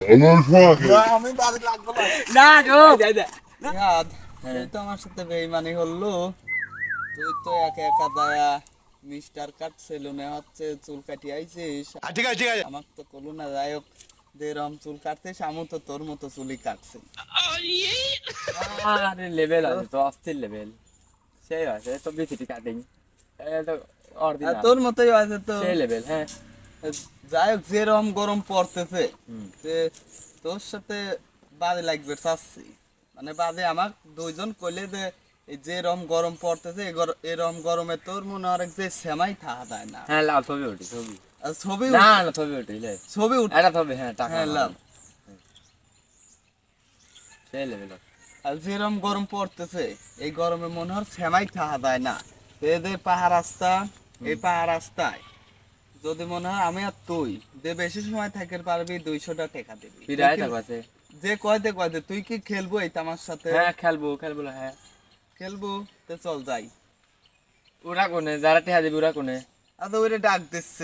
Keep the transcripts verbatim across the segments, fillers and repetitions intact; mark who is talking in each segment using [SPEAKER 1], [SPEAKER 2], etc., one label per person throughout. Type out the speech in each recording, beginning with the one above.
[SPEAKER 1] আমি বাড়ি লাগবো না গো নিহাদ তুই তো আমার সাথে বেইমানি হলো তুই তো একা একা দায়া মিস্টার কাট সেলুনে হচ্ছে চুল কাটি আইছিস ঠিক আছে ঠিক আছে আমার তো কলু না যাই হোক দেরম চুল কাটছিস আমি তো তোর মতো চুলই কাটছি
[SPEAKER 2] আরে লেভেল আছে তো অস্থির লেভেল সেই আছে তো বিসিটি কাটিং এটা অরিজিনাল
[SPEAKER 1] তোর মতোই আছে তো
[SPEAKER 2] সেই লেভেল হ্যাঁ
[SPEAKER 1] যাই হোক যেরকম গরম পড়তেছে যে তোর সাথে বাদে লাগবে চাচ্ছি মানে বাদে আমার দুইজন কইলে যে এই যে রকম গরম পড়তেছে এরকম গরমে তোর মনে হয় যে সেমাই থাকা যায় না
[SPEAKER 2] হ্যাঁ লাভ ছবি উঠি ছবি
[SPEAKER 1] আর ছবি
[SPEAKER 2] না না ছবি উঠি লে
[SPEAKER 1] ছবি উঠে
[SPEAKER 2] এটা ছবি হ্যাঁ টাকা
[SPEAKER 1] হ্যাঁ লাভ
[SPEAKER 2] সেই লেভেল
[SPEAKER 1] আর যেরকম গরম পড়তেছে এই গরমে মনে হয় সেমাই থাকা যায় না এদের পাহাড় রাস্তা এই পাহাড় রাস্তায় যদি মনে হয় আমি আর তুই যে বেশি সময় থাকতে পারবি দুইশোটা টাকা দিবি
[SPEAKER 2] ফিরাই থাকবে
[SPEAKER 1] যে কয়তে কয়তে তুই কি খেলবো এই আমার সাথে
[SPEAKER 2] হ্যাঁ খেলবো খেলবো হ্যাঁ
[SPEAKER 1] খেলবো তো চল যাই
[SPEAKER 2] ওরা কোনে যারা টেহা দিবি ওরা কোনে
[SPEAKER 1] আচ্ছা ওইটা ডাক দিচ্ছে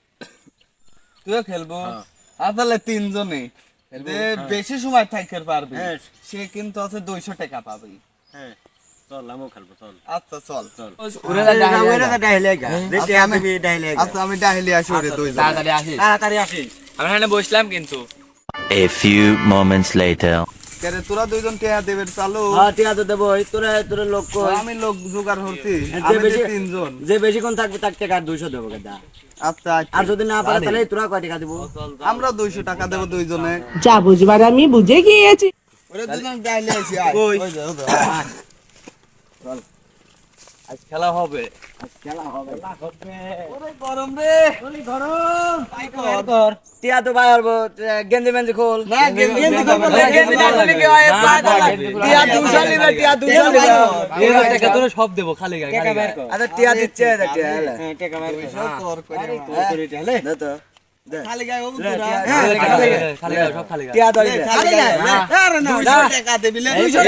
[SPEAKER 1] তুইও খেলবো আসলে তিনজনে যে বেশি সময় থাকতে পারবি সে কিন্তু আছে দুইশো টাকা পাবি
[SPEAKER 2] হ্যাঁ চল আমিও খেলবো চল
[SPEAKER 1] আচ্ছা চল
[SPEAKER 2] চল
[SPEAKER 1] ওরা ডাইলে গা আচ্ছা আমি ডাইলে আসি ওরে দুইজন
[SPEAKER 2] তাড়াতাড়ি আসিস তাড়াতাড়ি আসিস আমরা এখানে বসলাম কিন্তু
[SPEAKER 3] A few moments later.
[SPEAKER 1] কেরে তোরা দুইজন টিয়া দেবের চালু
[SPEAKER 4] হ্যাঁ টিয়া তো দেবো তোরা তোরা লোক
[SPEAKER 1] আমি লোক জোগাড় হচ্ছি
[SPEAKER 4] যে
[SPEAKER 1] আমি
[SPEAKER 4] বেশি
[SPEAKER 1] তিনজন
[SPEAKER 4] যে বেশিক্ষণ থাকবে তার টাকা দুইশো দেবো কেদা
[SPEAKER 1] আচ্ছা
[SPEAKER 4] আর যদি না পারে তাহলে তোরা কয় টাকা দিব
[SPEAKER 1] আমরা দুইশো টাকা দেবো দুইজনে
[SPEAKER 5] যা বুঝবার আমি বুঝে গিয়েছি
[SPEAKER 1] ওরে দুজন ডাইলে আসি আয় ওই যে ওই যে চল আজ খেলা হবে
[SPEAKER 4] খেলা হবে
[SPEAKER 1] ওরে গরম রে ওরে গরম তাই কর
[SPEAKER 4] টিয়া তো বাইর গেঞ্জি মেঞ্জি খোল
[SPEAKER 1] না গেঞ্জি খোল
[SPEAKER 4] গেঞ্জি না খুলে কি হয় টিয়া দুশো নিবে টিয়া দুশো নিবে
[SPEAKER 2] এই টাকা তোরা সব দেবো খালি গায়ে খালি গায়ে
[SPEAKER 4] আচ্ছা টিয়া দিচ্ছে টিয়া হলে
[SPEAKER 1] টাকা বাইর কর তোর করে
[SPEAKER 4] দে তো
[SPEAKER 1] খালি গায়ে ও তোরা
[SPEAKER 2] খালি গায়ে সব খালি গায়ে
[SPEAKER 4] টিয়া দই
[SPEAKER 1] খালি গায়ে আরে না দুইশো টাকা দিবি না দুইশো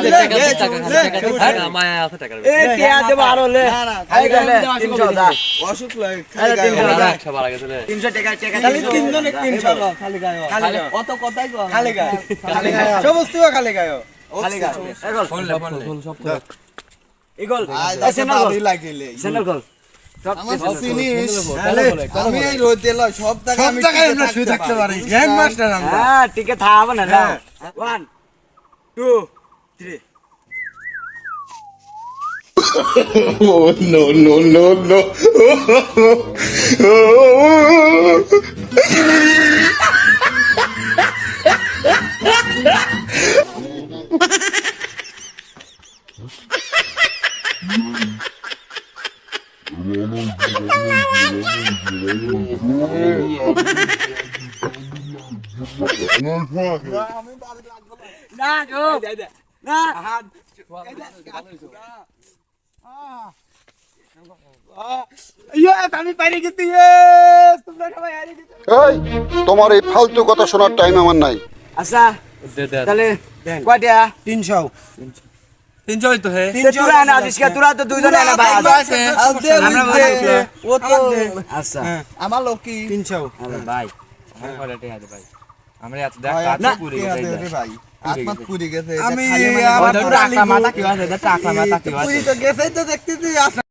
[SPEAKER 2] টাকা মায়া আছে টাকা
[SPEAKER 4] এ টিয়া দেব আর হলে
[SPEAKER 1] না না
[SPEAKER 4] খালি গায়ে তিনশো দা
[SPEAKER 1] অসুখ লাগে
[SPEAKER 4] আরে
[SPEAKER 1] খালি
[SPEAKER 4] তিনশো
[SPEAKER 1] গায়ে
[SPEAKER 4] দা
[SPEAKER 2] একশো বাড়া গেছে রে
[SPEAKER 4] তিনশো টাকা টাকা
[SPEAKER 1] খালি তিনজনে তিনশো খালি গায়ে
[SPEAKER 4] খালি
[SPEAKER 1] অত কথাই কর
[SPEAKER 4] খালি গায়ে
[SPEAKER 1] খালি গায়ে সমস্ত খালি গায়ে
[SPEAKER 4] খালি গায়ে এগোল
[SPEAKER 2] ফোন লে ফোন লে সব
[SPEAKER 4] এগোল
[SPEAKER 1] আজ
[SPEAKER 4] সেন্টার
[SPEAKER 1] বাড়ি লাগিলে
[SPEAKER 4] সেন্টার গোল
[SPEAKER 1] আমার চিনিস আমি এই রোদ দিল সব জায়গায় আমি আমরা শুয়ে থাকতে পারি গ্র্যান্ড মাস্টার আমরা
[SPEAKER 4] হ্যাঁ টিকে থাকবে না না one two three
[SPEAKER 6] Oh, no, no, no, no.
[SPEAKER 4] না গো না আমি পারি গেছি তোমরা সবাই হারি গেছো
[SPEAKER 7] এই তোমার এই ফালতু কথা শোনার টাইম আমার নাই
[SPEAKER 4] আচ্ছা
[SPEAKER 2] দে দে
[SPEAKER 4] তাহলে কয়টা
[SPEAKER 1] তিনশো
[SPEAKER 2] তিনশো হইতো হে
[SPEAKER 4] তোরা না আজকে তোরা তো দুইজন না ভাই
[SPEAKER 1] ও তো
[SPEAKER 4] আচ্ছা
[SPEAKER 1] আমার লোকি তিনশো
[SPEAKER 4] আরে ভাই
[SPEAKER 2] আমার ঘরে টেহা দে ভাই আমরা এত দেখ
[SPEAKER 1] না
[SPEAKER 2] কাজ পুরি গেছে
[SPEAKER 1] ভাই আত্মা পুরি গেছে
[SPEAKER 4] আমি
[SPEAKER 2] আমার টাকা মাথা কি আছে টাকা মাথা কি আছে
[SPEAKER 1] পুরি তো গেছে তো দেখতেছি